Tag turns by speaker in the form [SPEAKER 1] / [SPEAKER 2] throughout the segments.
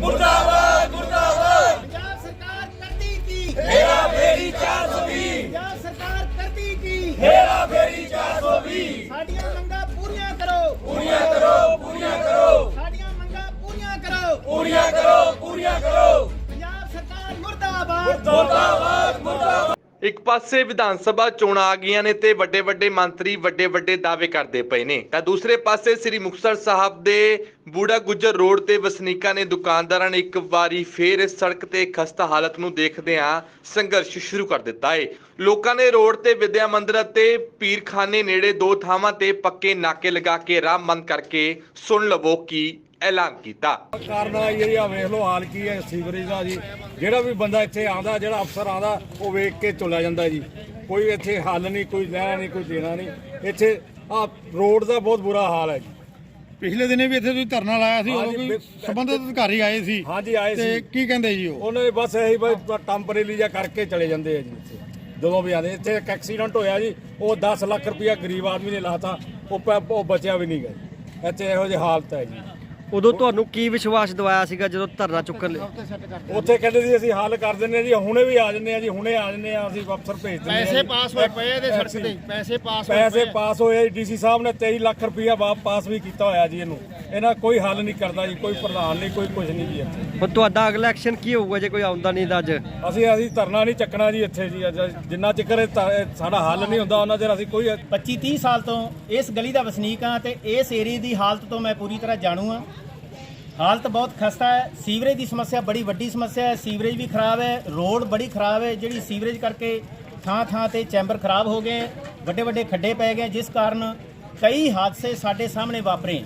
[SPEAKER 1] मुर्दाबाद मुर्दाबाद।
[SPEAKER 2] पंजाब सरकार करती की
[SPEAKER 1] हेरा फेरी 420,
[SPEAKER 2] पंजाब सरकार करती की
[SPEAKER 1] हेरा फेरी 420,
[SPEAKER 2] साडियां मंगां पूरीਆਂ करो
[SPEAKER 1] पूरियां करो पूरियां करो
[SPEAKER 2] साडियां मंगां पूरीਆਂ करो
[SPEAKER 1] पूरियां करो पूरियां करो।
[SPEAKER 2] पंजाब सरकार मुर्दाबाद
[SPEAKER 1] मुर्दाबाद मुर्दाबाद।
[SPEAKER 3] ਇੱਕ ਪਾਸੇ ਵਿਧਾਨ ਸਭਾ ਚੋਣਾਂ ਆ ਗਈਆਂ ਨੇ ਤੇ ਵੱਡੇ ਵੱਡੇ ਮੰਤਰੀ ਵੱਡੇ ਵੱਡੇ ਦਾਅਵੇ ਕਰਦੇ ਪਏ ਨੇ ਤਾਂ ਦੂਸਰੇ ਪਾਸੇ ਸ੍ਰੀ ਮੁਕਤਸਰ ਸਾਹਿਬ ਦੇ ਬੂੜਾ ਗੁੱਜਰ ਰੋਡ ਤੇ ਵਸਨੀਕਾਂ ਨੇ ਦੁਕਾਨਦਾਰਾਂ ਨੇ ਇੱਕ ਵਾਰੀ ਫੇਰ ਇਸ ਸੜਕ ਤੇ ਖਸਤਾ ਹਾਲਤ ਨੂੰ ਦੇਖਦਿਆਂ ਸੰਘਰਸ਼ ਸ਼ੁਰੂ ਕਰ ਦਿੱਤਾ ਹੈ। ਲੋਕਾਂ ਨੇ ਰੋਡ ਤੇ ਵਿਦਿਆ ਮੰਦਿਰ ਅਤੇ ਪੀਰਖਾਨੇ ਨੇੜੇ ਦੋ ਥਾਵਾਂ ਤੇ ਪੱਕੇ ਨਾਕੇ ਲਗਾ ਕੇ ਰਾਹ ਬੰਦ ਕਰਕੇ ਸੁਣ ਲਵੋ ਕੀ ਐਲਾਨ ਕੀਤਾ।
[SPEAKER 4] ਕਾਰਨ ਇਹ ਆ ਵੇਖ ਲਓ ਹਾਲ ਕੀ ਹੈ ਸੀਵਰੇਜ ਦਾ ਜੀ। ਜਿਹੜਾ ਵੀ ਬੰਦਾ ਇੱਥੇ ਆਉਂਦਾ, ਜਿਹੜਾ ਅਫਸਰ ਆਉਂਦਾ, ਉਹ ਵੇਖ ਕੇ ਚਲਾ ਜਾਂਦਾ ਜੀ। ਕੋਈ ਇੱਥੇ ਹੱਲ ਨਹੀਂ, ਕੋਈ ਲੈਣਾ ਨਹੀਂ, ਕੋਈ ਦੇਣਾ ਨਹੀਂ। ਇੱਥੇ ਆ ਰੋਡ ਦਾ ਬਹੁਤ ਬੁਰਾ ਹਾਲ ਹੈ ਜੀ।
[SPEAKER 5] ਪਿਛਲੇ ਦਿਨੇ ਵੀ ਇੱਥੇ ਤੁਸੀਂ ਧਰਨਾ ਲਾਇਆ ਸੀ, ਉਦੋਂ ਕੋਈ ਸੰਬੰਧਿਤ ਅਧਿਕਾਰੀ ਆਏ ਸੀ।
[SPEAKER 4] ਹਾਂਜੀ ਆਏ
[SPEAKER 5] ਤੇ
[SPEAKER 4] ਸੀ।
[SPEAKER 5] ਕੀ ਕਹਿੰਦੇ ਜੀ ਉਹ?
[SPEAKER 4] ਉਹਨੇ ਬਸ ਇਹੀ ਟੈਂਪਰੇਰੀ ਜਿਹਾ ਕਰਕੇ ਚਲੇ ਜਾਂਦੇ ਆ ਜੀ। ਇੱਥੇ ਜਦੋਂ ਵੀ ਆਉਂਦੇ, ਇੱਥੇ ਇੱਕ ਐਕਸੀਡੈਂਟ ਹੋਇਆ ਜੀ, ਉਹ 10 ਲੱਖ ਰੁਪਇਆ ਗਰੀਬ ਆਦਮੀ ਨੇ ਲਾਤਾ, ਉਹ ਬਚਿਆ ਵੀ ਨਹੀਂ ਗਿਆ ਜੀ। ਇੱਥੇ ਇਹੋ ਜਿਹੀ ਹਾਲਤ ਹੈ ਜੀ।
[SPEAKER 6] ਉਦੋਂ ਤੁਹਾਨੂੰ ਕੀ ਵਿਸ਼ਵਾਸ ਦਿਵਾਇਆ ਸੀਗਾ ਜਦੋਂ ਧਰਨਾ ਚੁੱਕਣ ਲਈ?
[SPEAKER 4] ਉੱਥੇ ਕਹਿੰਦੇ ਸੀ ਅਸੀਂ ਹੱਲ ਕਰ ਦਿੰਦੇ ਆ ਜੀ, ਹੁਣੇ ਵੀ ਆ ਜੰਨੇ ਆ ਜੀ, ਹੁਣੇ ਆ ਜੰਨੇ ਆ, ਅਸੀਂ ਅਫਸਰ ਭੇਜ ਦਿੰਦੇ ਆ।
[SPEAKER 5] ਪੈਸੇ ਪਾਸ ਹੋਏ ਪਏ ਇਹਦੇ ਸੜਕ ਤੇ, ਪੈਸੇ
[SPEAKER 4] ਪਾਸ ਹੋਏ। ਡੀਸੀ ਸਾਹਿਬ ਨੇ 23 ਲੱਖ ਰੁਪਇਆ ਪਾਸ ਵੀ ਕੀਤਾ ਹੋਇਆ ਜੀ। ਇਹਨਾਂ ਕੋਈ ਹੱਲ ਨਹੀਂ ਕਰਦਾ ਜੀ, ਕੋਈ ਪ੍ਰਧਾਨ ਨਹੀਂ, ਕੋਈ ਕੁਝ ਨਹੀਂ ਜੀ ਇੱਥੇ।
[SPEAKER 6] ਹੁਣ ਤੁਹਾਡਾ ਅਗਲਾ ਐਕਸ਼ਨ ਕੀ ਹੋਊਗਾ ਜੇ ਕੋਈ ਆਉਂਦਾ ਨਹੀਂ ਤਾਂ ਅੱਜ?
[SPEAKER 4] ਅਸੀਂ ਧਰਨਾ ਨਹੀਂ ਚੱਕਣਾ ਜੀ ਇੱਥੇ ਜੀ। ਜਿੰਨਾ ਚਿਰ ਸਾਡਾ ਹੱਲ ਨਹੀਂ ਹੁੰਦਾ ਉਹਨਾਂ ਚਿਰ ਅਸੀਂ ਕੋਈ
[SPEAKER 2] 25-30 ਸਾਲ ਤੋਂ ਇਸ ਗਲੀ ਦਾ ਵਸਨੀਕ ਹਾਂ ਤੇ ਇਸ ਏਰੀਏ ਦੀ ਹਾਲਤ ਤੋਂ ਮੈਂ ਪੂਰੀ ਤਰ੍ਹਾਂ ਜਾਣੂ ਹਾਂ। ਹਾਲਤ ਬਹੁਤ ਖਸਤਾ ਹੈ। ਸੀਵਰੇਜ ਦੀ ਸਮੱਸਿਆ ਬੜੀ ਵੱਡੀ ਸਮੱਸਿਆ ਹੈ। ਸੀਵਰੇਜ ਵੀ ਖਰਾਬ ਹੈ, ਰੋਡ ਬੜੀ ਖਰਾਬ ਹੈ, ਜਿਹੜੀ ਸੀਵਰੇਜ ਕਰਕੇ ਥਾਂ ਥਾਂ ਤੇ ਚੈਂਬਰ ਖਰਾਬ ਹੋ ਗਏ, ਵੱਡੇ ਵੱਡੇ ਖੱਡੇ ਪੈ ਗਏ, ਜਿਸ ਕਾਰਨ ਕਈ ਹਾਦਸੇ ਸਾਡੇ ਸਾਹਮਣੇ ਵਾਪਰੇ।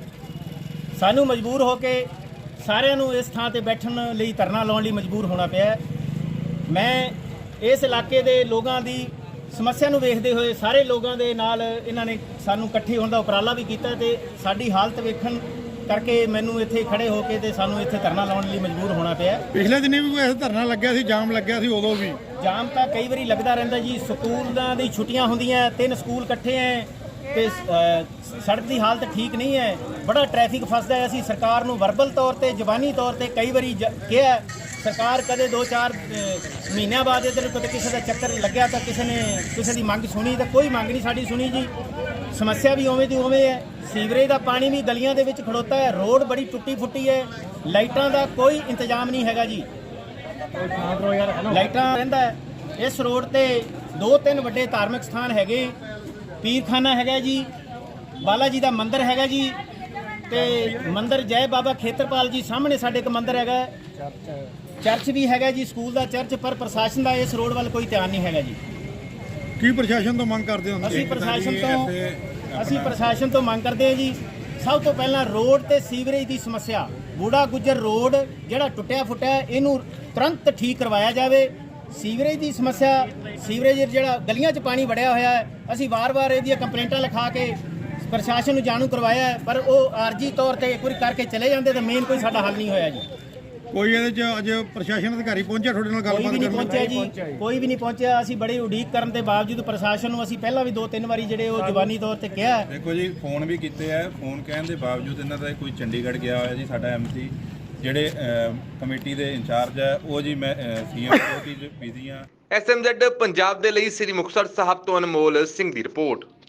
[SPEAKER 2] ਸਾਨੂੰ ਮਜਬੂਰ ਹੋ ਕੇ ਸਾਰਿਆਂ ਨੂੰ ਇਸ ਥਾਂ ਤੇ ਬੈਠਣ ਲਈ ਧਰਨਾ ਲਾਉਣ ਲਈ ਮਜਬੂਰ ਹੋਣਾ ਪਿਆ। ਮੈਂ ਇਸ ਇਲਾਕੇ ਦੇ ਲੋਕਾਂ ਦੀ ਸਮੱਸਿਆ ਨੂੰ ਵੇਖਦੇ ਹੋਏ ਸਾਰੇ ਲੋਕਾਂ ਦੇ ਨਾਲ ਇਹਨਾਂ ਨੇ ਸਾਨੂੰ ਇਕੱਠੇ ਹੋਣ ਦਾ ਉਪਰਾਲਾ ਵੀ ਕੀਤਾ ਤੇ ਸਾਡੀ ਹਾਲਤ ਵੇਖਣ ਕਰਕੇ ਮੈਨੂੰ ਇੱਥੇ ਖੜੇ ਹੋ ਕੇ ਤੇ ਸਾਨੂੰ ਇੱਥੇ ਧਰਨਾ ਲਾਉਣ ਲਈ ਮਜਬੂਰ ਹੋਣਾ ਪਿਆ।
[SPEAKER 5] ਪਿਛਲੇ ਦਿਨੇ ਵੀ ਕੋਈ ਧਰਨਾ ਲੱਗਿਆ ਸੀ, ਜਾਮ ਲੱਗਿਆ ਸੀ, ਉਦੋਂ ਵੀ
[SPEAKER 2] ਜਾਮ ਤਾਂ ਕਈ ਵਾਰੀ ਲੱਗਦਾ ਰਹਿੰਦਾ ਜੀ। ਸਕੂਲਾਂ ਦੀ ਛੁੱਟੀਆਂ ਹੁੰਦੀਆਂ, 3 ਸਕੂਲ ਇਕੱਠੇ ਐ ਤੇ ਸੜਕ ਦੀ ਹਾਲਤ ਠੀਕ ਨਹੀਂ ਹੈ, ਬੜਾ ਟ੍ਰੈਫਿਕ ਫਸਦਾ ਹੈ। ਅਸੀਂ ਸਰਕਾਰ ਨੂੰ ਵਰਬਲ ਤੌਰ ਤੇ, ਜ਼ਬਾਨੀ ਤੌਰ ਤੇ ਕਈ ਵਾਰੀ ਕਿਹਾ, ਸਰਕਾਰ ਕਦੇ 2-4 ਮਹੀਨਿਆਂ ਬਾਅਦ ਇੱਧਰ ਕਦੇ ਕਿਸੇ ਦਾ ਚੱਕਰ ਲੱਗਿਆ ਤਾਂ ਕਿਸੇ ਦੀ ਮੰਗ ਸੁਣੀ ਤਾਂ ਕੋਈ ਮੰਗ ਨਹੀਂ ਸਾਡੀ ਸੁਣੀ ਜੀ। ਸਮੱਸਿਆ ਵੀ ਉਵੇਂ ਦੀ ਉਵੇਂ ਹੈ। ਸੀਵਰੇਜ ਦਾ ਪਾਣੀ ਵੀ ਗਲੀਆਂ ਦੇ ਵਿੱਚ ਖੜੋਤਾ ਹੈ, ਰੋਡ ਬੜੀ ਟੁੱਟੀ ਫੁੱਟੀ ਹੈ, ਲਾਈਟਾਂ ਦਾ ਕੋਈ ਇੰਤਜ਼ਾਮ ਨਹੀਂ ਹੈਗਾ ਜੀ। ਲਾਈਟਾਂ ਰਹਿੰਦਾ ਹੈ। ਇਸ ਰੋਡ ਤੇ 2-3 ਵੱਡੇ ਧਾਰਮਿਕ ਸਥਾਨ ਹੈਗੇ, ਪੀਰਖਾਨਾ ਹੈਗਾ ਜੀ, ਬਾਲਾ ਜੀ ਦਾ ਮੰਦਿਰ ਹੈਗਾ ਜੀ, ਤੇ ਮੰਦਿਰ ਜੈ ਬਾਬਾ ਖੇਤਰਪਾਲ ਜੀ ਸਾਹਮਣੇ ਸਾਡੇ ਇੱਕ ਮੰਦਿਰ ਹੈਗਾ, ਚਰਚ ਵੀ ਹੈਗਾ ਜੀ, ਸਕੂਲ ਦਾ ਚਰਚ। ਪਰ ਪ੍ਰਸ਼ਾਸਨ ਦਾ ਇਸ ਰੋਡ ਵੱਲ ਕੋਈ ਧਿਆਨ ਨਹੀਂ ਹੈਗਾ ਜੀ।
[SPEAKER 5] ਕੀ ਪ੍ਰਸ਼ਾਸਨ ਤੋਂ ਮੰਗ ਕਰਦੇ ਹੋ?
[SPEAKER 2] ਅਸੀਂ ਪ੍ਰਸ਼ਾਸਨ ਤੋਂ ਮੰਗ ਕਰਦੇ ਹਾਂ ਜੀ, ਸਭ ਤੋਂ ਪਹਿਲਾਂ ਰੋਡ ਤੇ ਸੀਵਰੇਜ ਦੀ ਸਮੱਸਿਆ, ਬੂੜਾ ਗੁੱਜਰ ਰੋਡ ਜਿਹੜਾ ਟੁੱਟਿਆ ਫੁੱਟਿਆ, ਇਹਨੂੰ ਤੁਰੰਤ ਠੀਕ ਕਰਵਾਇਆ ਜਾਵੇ। ਸੀਵਰੇਜ ਦੀ ਸਮੱਸਿਆ, ਸੀਵਰੇਜ ਜਿਹੜਾ ਗਲੀਆਂ 'ਚ ਪਾਣੀ ਵੜਿਆ ਹੋਇਆ ਹੈ, ਅਸੀਂ ਵਾਰ-ਵਾਰ ਇਹਦੀਆਂ ਕੰਪਲੇਂਟਾਂ ਲਿਖਾ ਕੇ ਪ੍ਰਸ਼ਾਸਨ ਨੂੰ ਜਾਣੂ ਕਰਵਾਇਆ ਹੈ, ਪਰ ਉਹ ਆਰਜੀ ਤੌਰ ਤੇ ਇੱਕ ਵਾਰੀ ਕਰਕੇ ਚਲੇ ਜਾਂਦੇ ਤਾਂ ਮੇਨ ਕੋਈ ਸਾਡਾ ਹੱਲ ਨਹੀਂ ਹੋਇਆ ਜੀ।
[SPEAKER 5] ਕੋਈ ਇਹਦੇ 'ਚ ਅੱਜ ਪ੍ਰਸ਼ਾਸਨ ਅਧਿਕਾਰੀ ਪਹੁੰਚਿਆ ਤੁਹਾਡੇ ਨਾਲ ਗੱਲਬਾਤ
[SPEAKER 2] ਕੋਈ ਵੀ ਨਹੀਂ
[SPEAKER 5] ਕਰਨ?
[SPEAKER 2] ਪਹੁੰਚਿਆ ਜੀ, ਕੋਈ ਵੀ ਨਹੀਂ ਪਹੁੰਚਿਆ। ਅਸੀਂ ਬੜੀ ਉਡੀਕ ਕਰਨ ਦੇ ਬਾਵਜੂਦ ਪ੍ਰਸ਼ਾਸਨ ਨੂੰ ਅਸੀਂ ਪਹਿਲਾਂ ਵੀ 2-3 ਵਾਰੀ ਜਿਹੜੇ ਉਹ ਜ਼ਬਾਨੀ ਤੌਰ ਤੇ ਕਿਹਾ।
[SPEAKER 7] ਦੇਖੋ ਜੀ, ਫੋਨ ਵੀ ਕੀਤੇ ਆ, ਫੋਨ ਕਹਿਣ ਦੇ ਬਾਵਜੂਦ ਇਹਨਾਂ ਦਾ ਕੋਈ ਚੰਡੀਗੜ੍ਹ ਗਿਆ ਹੋਇਆ ਜੀ। ਸਾਡਾ ਐਮਸੀ ਜਿਹੜੇ ਕਮੇਟੀ ਦੇ ਇੰਚਾਰਜ ਹੈ ਉਹ ਜੀ, ਮੈਂ ਸੀਐਮ ਕੋਲ ਬਿਜ਼ੀ ਆ।
[SPEAKER 3] SMZ ਪੰਜਾਬ ਦੇ ਲਈ ਸ੍ਰੀ ਮੁਕਤਸਰ ਸਾਹਿਬ ਤੋਂ ਅਨਮੋਲ ਸਿੰਘ ਦੀ ਰਿਪੋਰਟ।